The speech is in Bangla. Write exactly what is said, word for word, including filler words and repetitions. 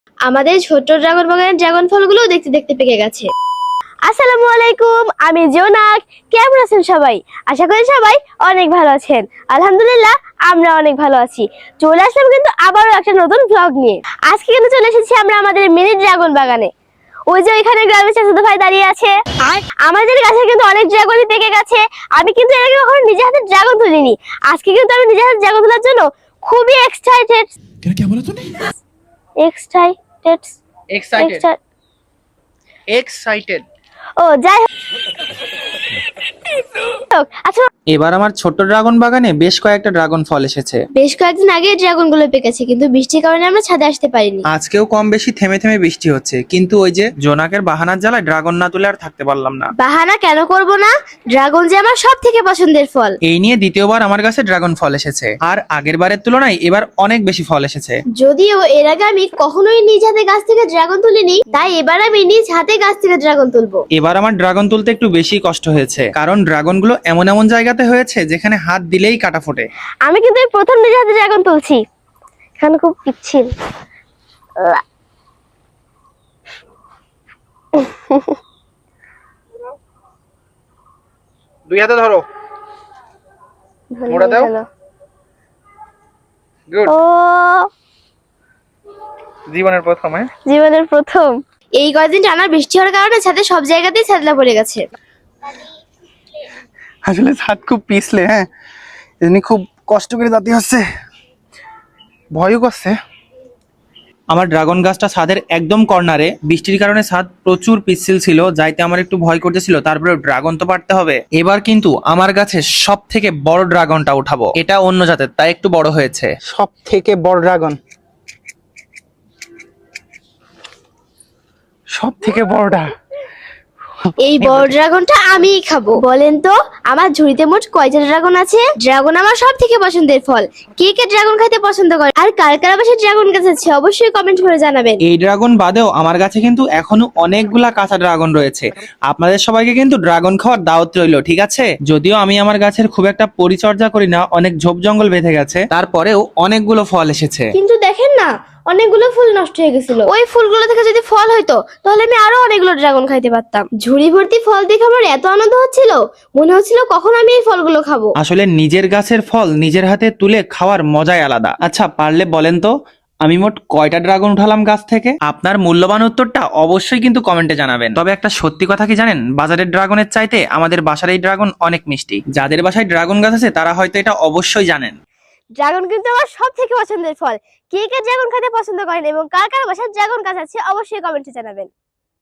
আমাদের ছোট ড্রাগন বাগানের ড্রাগন ফলগুলো দেখতে দেখতে পেকে গেছে। আসসালামু আলাইকুম, আমি জোনাক। কেমন আছেন সবাই? আশা করি সবাই অনেক ভালো আছেন। আলহামদুলিল্লাহ আমরা অনেক ভালো আছি। চলে আসলাম কিন্তু আবারও একটা নতুন ব্লগ নিয়ে। আজকে কিন্তু চলে এসেছি আমরা আমাদের মিনি ড্রাগন বাগানে। ওই যে ওইখানে গ্রামের চাচাতো ভাই দাঁড়িয়ে আছে। আমাদের গাছে কিন্তু অনেক ড্রাগনই পেকে গেছে। আমি কিন্তু এর আগে কখনো নিজে হাতে ড্রাগন তুলিনি। আজকে কিন্তু আমি নিজে হাতে ড্রাগন তোলার জন্য খুবই এক্সাইটেড। क्या बोला तूने? এক্সাইটেড এক্সাইটেড এক্সাইটেড ও যাই হোক, আচ্ছা এবার আমার ছোট্ট ড্রাগন বাগানে বেশ কয়েকটা ড্রাগন ফল এসেছে। বেশ কয়েকদিন আগে ড্রাগন গুলো পেকেছে, কিন্তু বৃষ্টির কারণে আমরা ছাদে আসতে পারিনি। আজকেও কম বেশি থেমে থেমে বৃষ্টি হচ্ছে, কিন্তু ওই যে জোনাকের বাহানার জ্বালায় ড্রাগন না তুলে আর থাকতে পারলাম না। বাহানা কেন করব না? ড্রাগন যে আমার সব থেকে পছন্দের ফল। এই নিয়ে দ্বিতীয়বার আমার কাছে ড্রাগন ফল এসেছে, আর আগের বারের তুলনায় এবার অনেক বেশি ফল এসেছে। যদিও এর আগে আমি কখনোই নিজ হাতে গাছ থেকে ড্রাগন তুলিনি, তাই এবার আমি নিজ হাতে গাছ থেকে ড্রাগন তুলবো। এবার আমার ড্রাগন তুলতে একটু বেশি কষ্ট হয়েছে, কারণ ড্রাগন গুলো এমন এমন জায়গাতে হয়েছে যেখানে হাত দিলেই কাটা ফোটে। আমি কিন্তু এই প্রথম নিজ হাতে ড্রাগন তুলছি। এখানে খুব পিচ্ছিল। দুই হাতে ধরো। মোড়া দাও। গুড। ও জীবনের প্রথম। হ্যাঁ, জীবনের প্রথম। এই কয়েকদিন টানা বৃষ্টি হওয়ার কারণে ছাদে সব জায়গাতেই ছাদলা পড়ে গেছে। আসলে ছাদ খুব পিছলে, হ্যাঁ এমনি খুব কষ্ট করে যেতে হচ্ছে, ভয়ও করছে। আমার ড্রাগন গাছটা ছাদের একদম কর্নারে, বৃষ্টির কারণে ছাদ প্রচুর পিচ্ছিল ছিল, যাইতে আমার একটু ভয় করতেছিল। তারপরে ড্রাগন তো পারতে হবে। এবার কিন্তু আমার গাছে সব থেকে বড় ড্রাগনটা উঠাবো। এটা অন্য জাতের, তাই একটু বড় হয়েছে। সব থেকে বড় ড্রাগন, সব থেকে বড়টা। এই বড় ড্রাগনটা আমিই খাবো। বলেন তো আমার ঝুড়িতে মোট কয়টা ড্রাগন আছে? ড্রাগন আমার সব থেকে পছন্দের ফল। কে কে ড্রাগন খেতে পছন্দ করে আর কার কার বাসায় ড্রাগন গাছ আছে অবশ্যই কমেন্ট করে জানাবেন। এই ড্রাগন বাদেও আমার কাছে কিন্তু এখনো অনেকগুলা কাঁচা ড্রাগন রয়েছে। আপনাদের সবাইকে কিন্তু ড্রাগন খাওয়ার দাওয়াত রইলো, ঠিক আছে? যদিও আমি আমার গাছের খুব একটা পরিচর্যা করি না, অনেক ঝোপ জঙ্গল বেঁধে গেছে, তারপরেও অনেকগুলো ফল এসেছে। কিন্তু দেখেন না, অনেকগুলো ফুল নষ্ট হয়ে গেছিল। ওই ফুলগুলো থেকে যদি ফল হইতো তাহলে আমি আরো অনেকগুলো ড্রাগন খাইতে পারতাম। ঝুড়ি ভর্তি ফল দেখে আমার এত আনন্দ হচ্ছিল, মনে হচ্ছিল কখন আমি এই ফলগুলো খাবো। আসলে নিজের গাছের ফল নিজের হাতে তুলে খাওয়ার মজাই আলাদা। আচ্ছা, পারলে বলেন তো আমি মোট কয়টা ড্রাগন উঠালাম গাছ থেকে? আপনার মূল্যবান উত্তরটা অবশ্যই কিন্তু কমেন্টে জানাবেন। তবে একটা সত্যি কথা কি জানেন, বাজারের ড্রাগনের চাইতে আমাদের বাসার এই ড্রাগন অনেক মিষ্টি। যাদের বাসায় ড্রাগন গাছ আছে তারা হয়তো এটা অবশ্যই জানেন। ড্রাগন কিন্তু আমার সব থেকে পছন্দের ফল। কে কে ড্রাগন খেতে পছন্দ করেন এবং কার কার বাসায় ড্রাগন গাছ আছে অবশ্যই কমেন্টে জানাবেন।